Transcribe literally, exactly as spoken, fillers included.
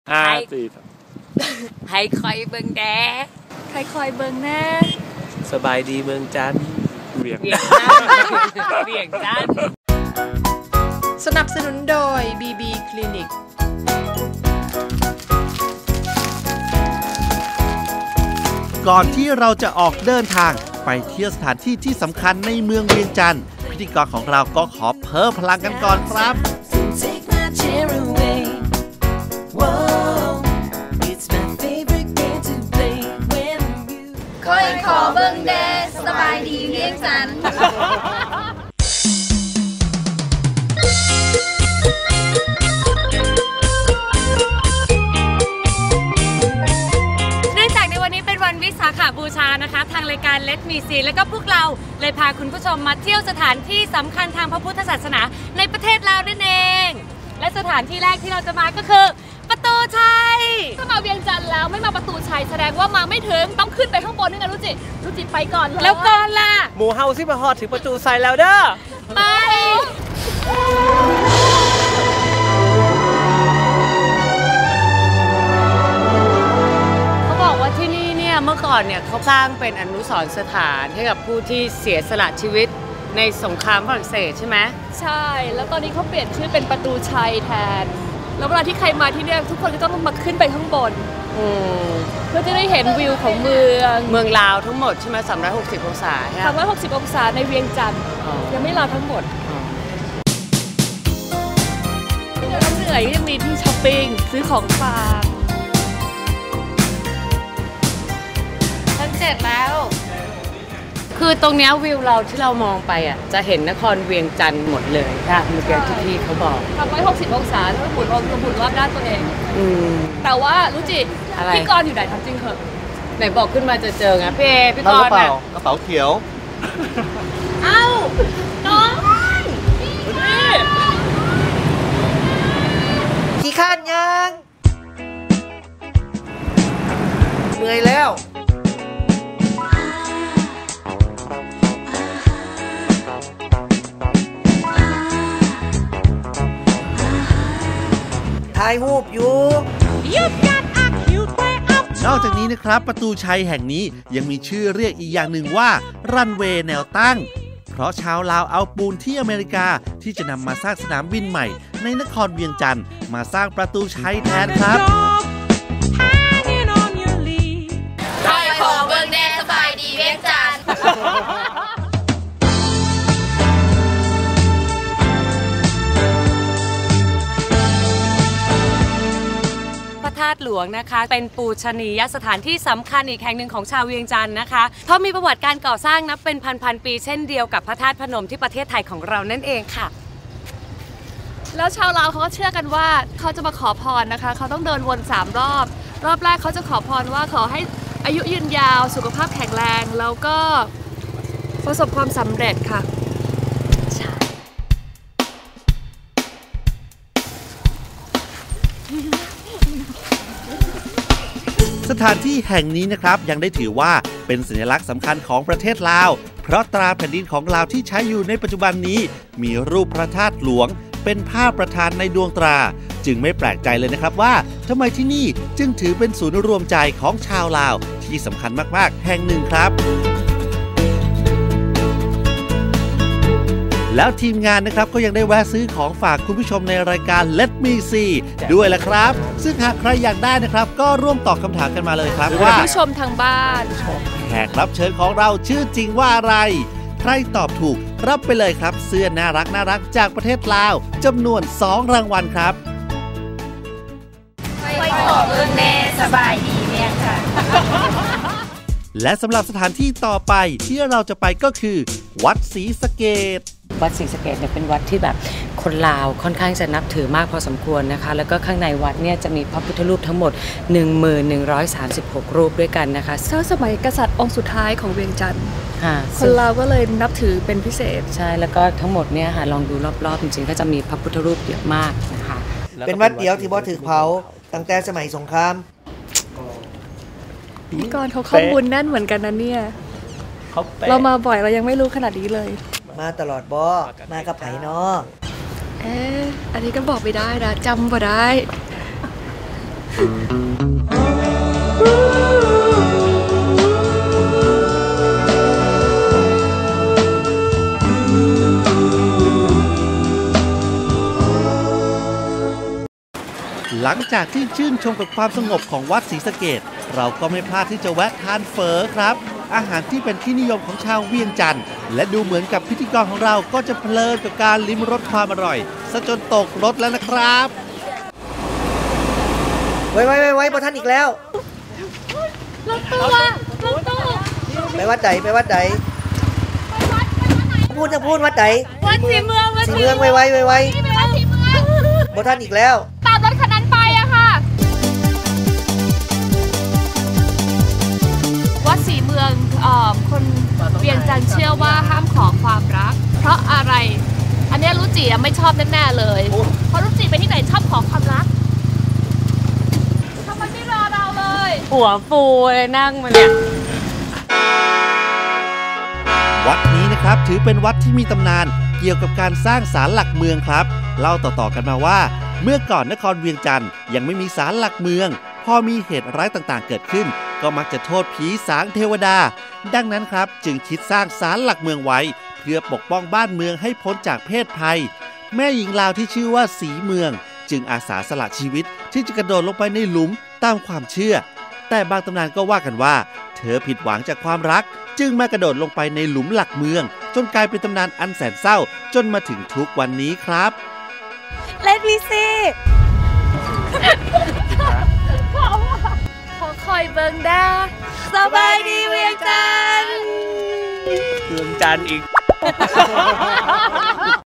ห้าสี่ให้คอยเบิ่งแดใครคอยเบิ่งแน่สบายดีเมืองจันทร์เวียงจันทร์เวียงจันทร์สนับสนุนโดย บี บี คลินิกก่อนที่เราจะออกเดินทางไปเที่ยวสถานที่ที่สำคัญในเมืองเวียงจันทร์พิธีกรของเราก็ขอเพิ่มพลังกันก่อนครับคอยขอเบิ่งแดสบายดีเวียงจันทร์วิสาขบูชานะคะทางรายการ Let Me See และก็พวกเราเลยพาคุณผู้ชมมาเที่ยวสถานที่สำคัญทางพระพุทธศาสนาในประเทศลาวนั่นเองและสถานที่แรกที่เราจะมาก็คือประตูชัยถ้ามาเวียงจันทร์แล้วไม่มาประตูชัยแสดงว่ามาไม่ถึงต้องขึ้นไปข้างบนนี่นะรู้จิรู้จิไปก่อนเลยแล้วก่อนล่ะหมูเฮาซิมาฮอดถึงประตูชัยแล้วเด้อไปเมื่อก่อนเนี่ยเขาสร้างเป็นอนุสรณ์สถานให้กับผู้ที่เสียสละชีวิตในสงครามฝรั่งเศสใช่ไหมใช่แล้วตอนนี้เขาเปลี่ยนชื่อเป็นประตูชัยแทนแล้วเวลาที่ใครมาที่เนี่ยทุกคนก็ต้องมาขึ้นไปข้างบนเพื่อจะได้เห็นวิวของเมืองเมืองลาวทั้งหมดใช่ไหมสามร้อยหกสิบองศาสามร้อยหกสิบองศาในเวียงจันทร์ยังไม่ลาวทั้งหมดเราเหนื่อยยังมีที่ช้อปปิ้งซื้อของฝากเสร็จแล้วคือตรงนี้วิวเราที่เรามองไปอ่ะจะเห็นนครเวียงจันทร์หมดเลยค่ะเมื่อกี้ที่พี่เขาบอกทำไว้หกสิบองศาแล้วหมุนรอบหมุนรอบด้านตัวเองอืมแต่ว่ารู้จิพี่กรณ์อยู่ไหนทำจริงเหรอไหนบอกขึ้นมาจะเจอไงพี่เอพี่กรณ์น่ะกระเป๋าเขียวเอ้าน้องขี้ข้านยังเหนื่อยแล้วถ่ายรูปอยู่นอกจากนี้นะครับประตูชัยแห่งนี้ยังมีชื่อเรียกอีกอย่างหนึ่งว่ารันเวย์แนวตั้งเพราะชาวลาวเอาปูนที่อเมริกาที่จะนำมาสร้างสนามบินใหม่ในนครเวียงจันทร์มาสร้างประตูชัยแทนครับคอยขอเบิ่งแดสบายดีเวียงจันทร์พระธาตุหลวงนะคะเป็นปูชนียสถานที่สำคัญอีกแห่งหนึ่งของชาวเวียงจันทร์นะคะเพราะมีประวัติการก่อสร้างนับเป็นพันๆปีเช่นเดียวกับพระธาตุพนมที่ประเทศไทยของเรานั่นเองค่ะแล้วชาวลาวเขาก็เชื่อกันว่าเขาจะมาขอพรนะคะเขาต้องเดินวนสามรอบรอบแรกเขาจะขอพรว่าขอให้อายุยืนยาวสุขภาพแข็งแรงแล้วก็ประสบความสำเร็จค่ะสถานที่แห่งนี้นะครับยังได้ถือว่าเป็นสัญลักษณ์สำคัญของประเทศลาวเพราะตราแผ่นดินของลาวที่ใช้อยู่ในปัจจุบันนี้มีรูปพระธาตุหลวงเป็นภาพประธานในดวงตราจึงไม่แปลกใจเลยนะครับว่าทำไมที่นี่จึงถือเป็นศูนย์รวมใจของชาวลาวที่สำคัญมากๆแห่งหนึ่งครับแล้วทีมงานนะครับก็ยังได้แวะซื้อของฝากคุณผู้ชมในรายการ Let Me See ด้วยแหละครับซึ่งหากใครอยากได้นะครับก็ร่วมตอบคำถามกันมาเลยครับว่าผู้ชมทางบ้านแขกรับเชิญของเราชื่อจริงว่าอะไรใครตอบถูกรับไปเลยครับเสื้อน่ารักน่ารักจากประเทศลาวจำนวนสองรางวัลครับไปขอเบิ่งแดสบายดีเวียงจันทร์และสำหรับสถานที่ต่อไปที่เราจะไปก็คือวัดศรีสะเกษวัดศรีสะเกษเนี่ยเป็นวัดที่แบบคนลาวค่อนข้างจะนับถือมากพอสมควรนะคะแล้วก็ข้างในวัดเนี่ยจะมีพระพุทธรูปทั้งหมด หนึ่งพันหนึ่งร้อยสามสิบหก รูปด้วยกันนะคะเมื่อสมัยกษัตริย์องค์สุดท้ายของเวียงจันทร์คนลาวก็เลยนับถือเป็นพิเศษใช่แล้วก็ทั้งหมดเนี่ยค่ะลองดูรอบๆจริงๆก็จะมีพระพุทธรูปเยอะมากนะคะเป็นวัดเดียวที่บ่ถือเผาตั้งแต่สมัยสงครามพี่กรณ์เขาข้อมูลแน่นเหมือนกันนะเนี่ยเรามาบ่อยเรายังไม่รู้ขนาดนี้เลยมาตลอดบ่มากับไผเนาะเอ๊ะอันนี้ก็บอกไม่ได้นะจำบ่ได้หลังจากที่ชื่นชมกับความสงบของวัดศรีสะเกษเราก็ไม่พลาดที่จะแวะทานเฝอครับอาหารที่เป็นที่นิยมของชาวเวียงจันทร์และดูเหมือนกับพิธีกรของเราก็จะเพลินกับการลิ้มรสความอร่อยซะจนตกรถแล้วนะครับไว้ไว้ไว้ไว้พอท่านอีกแล้วรถตู้อะรถตู้ไปวัดใดไปวัดใดพูดจะพูดวัดใดวัดศรีเมืองวัดสีเมืองไว้ไว้ไว้ไว้วัดศรีเมืองพอท่านอีกแล้วตามรถคันนั้นไปอะค่ะ วัดศรีเมืองเอ่อคนเวียงจันทร์เชื่อว่าห้ามขอความรัก เพราะอะไร อันเนี้ยรู้จีไม่ชอบแน่ๆเลย เพราะรู้จีไปที่ไหนชอบขอความรักทำไมไม่รอเราเลยหัวฟูเลยนั่งมาเนี่ยวัดนี้นะครับถือเป็นวัดที่มีตำนานเกี่ยวกับการสร้างศาลหลักเมืองครับเล่าต่อๆกันมาว่าเมื่อก่อนนครเวียงจันทร์ยังไม่มีศาลหลักเมืองพอมีเหตุร้ายต่างๆเกิดขึ้นก็มักจะโทษผีสางเทวดาดังนั้นครับจึงคิดสร้างศาลหลักเมืองไว้เพื่อปกป้องบ้านเมืองให้พ้นจากเพศภัยแม่หญิงลาวที่ชื่อว่าศรีเมืองจึงอาสาสละชีวิตที่จะกระโดดลงไปในหลุมตามความเชื่อแต่บางตำนานก็ว่ากันว่าเธอผิดหวังจากความรักจึงมากระโดดลงไปในหลุมหลักเมืองจนกลายเป็นตำนานอันแสนเศร้าจนมาถึงทุกวันนี้ครับเล่นวีซีขอคอยเบิงดาสบายดีเวียงจันทร์เมืองจันทร์อีก